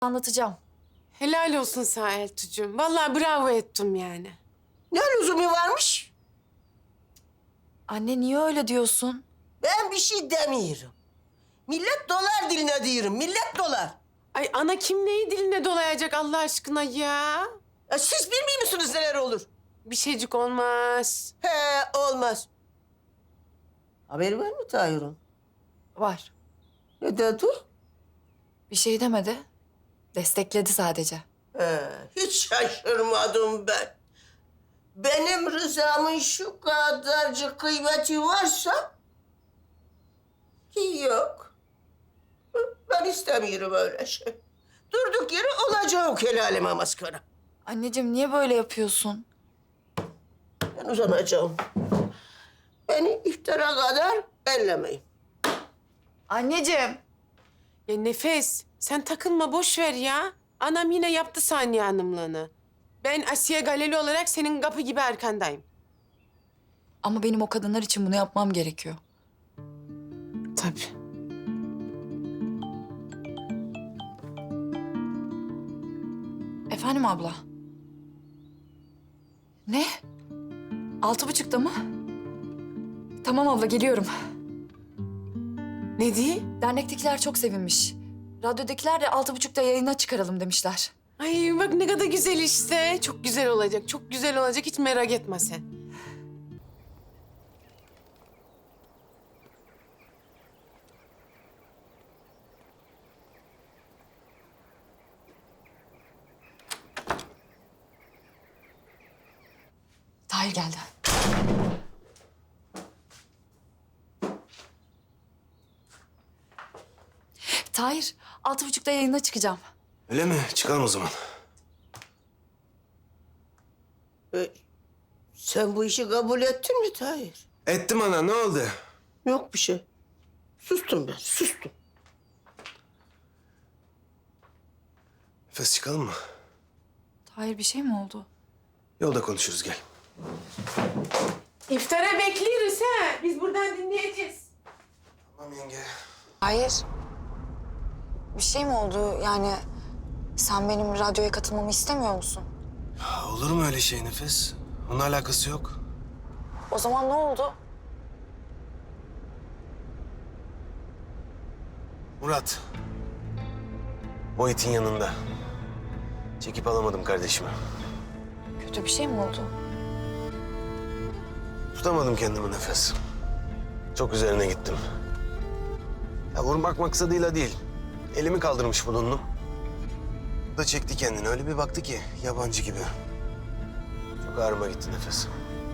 Anlatacağım. Helal olsun sana Eltucuğum. Vallahi bravo ettim yani. Ne lüzumu varmış? Anne niye öyle diyorsun? Ben bir şey demiyorum. Millet dolar diline diyorum, millet dolar. Ay ana kim neyi diline dolayacak Allah aşkına ya? Ya siz bilmiyor musunuz neler olur? Bir şeycik olmaz. He, olmaz. Haberi var mı Tahir'in? Var. Ne dedi? Bir şey demedi. Destekledi sadece. He, hiç şaşırmadım ben. Benim rızamın şu kadarcık kıymeti varsa... Yok. Ben istemiyorum öyle şey. Durduk yere olacak el aleme maskara. Anneciğim niye böyle yapıyorsun? Ben uzanacağım. Beni iftara kadar ellemeyin. Anneciğim. Ya Nefes sen takılma boş ver ya. Anam yine yaptı Saniye Hanım'lığını. Ben Asiye Galeli olarak senin kapı gibi arkandayım. Ama benim o kadınlar için bunu yapmam gerekiyor. Tabii. Efendim abla? Ne? 6.30'da mı? Tamam abla geliyorum. Ne diye? Dernektekiler çok sevinmiş. Radyodakiler de 6.30'da yayına çıkaralım demişler. Ay bak ne kadar güzel işte. Çok güzel olacak, çok güzel olacak. Hiç merak etme sen. Tahir geldi. Tahir, 6.30'da yayına çıkacağım. Öyle mi? Çıkalım o zaman. Sen bu işi kabul ettin mi Tahir? Ettim ana, ne oldu? Yok bir şey. Sustum ben, sustum. Nefes çıkalım mı? Tahir bir şey mi oldu? Yolda konuşuruz, gel. İftara bekliyoruz ha. Biz buradan dinleyeceğiz. Tamam yenge. Hayır. Bir şey mi oldu? Yani sen benim radyoya katılmamı istemiyor musun? Ya, olur mu öyle şey Nefes? Onun alakası yok. O zaman ne oldu? Murat. O itin yanında. Çekip alamadım kardeşimi. Kötü bir şey mi oldu? Tutamadım kendimi Nefes. Çok üzerine gittim. Ya vurmak maksadıyla değil. Elimi kaldırmış bulundum. O da çekti kendini. Öyle bir baktı ki yabancı gibi. Çok ağrıma gitti Nefes.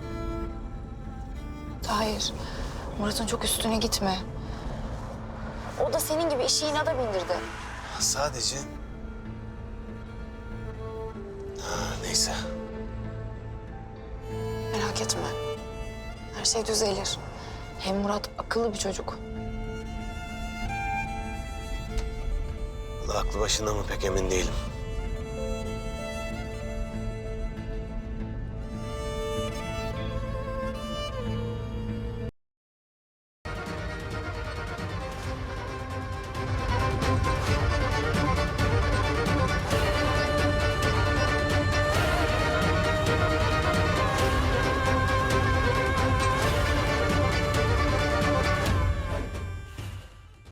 Hayır. Murat'ın çok üstüne gitme. O da senin gibi işi inada bindirdi. Sadece... Neyse. Merak etme. Her şey düzelir. Hem Murat akıllı bir çocuk. Vallahi aklı başında mı pek emin değilim.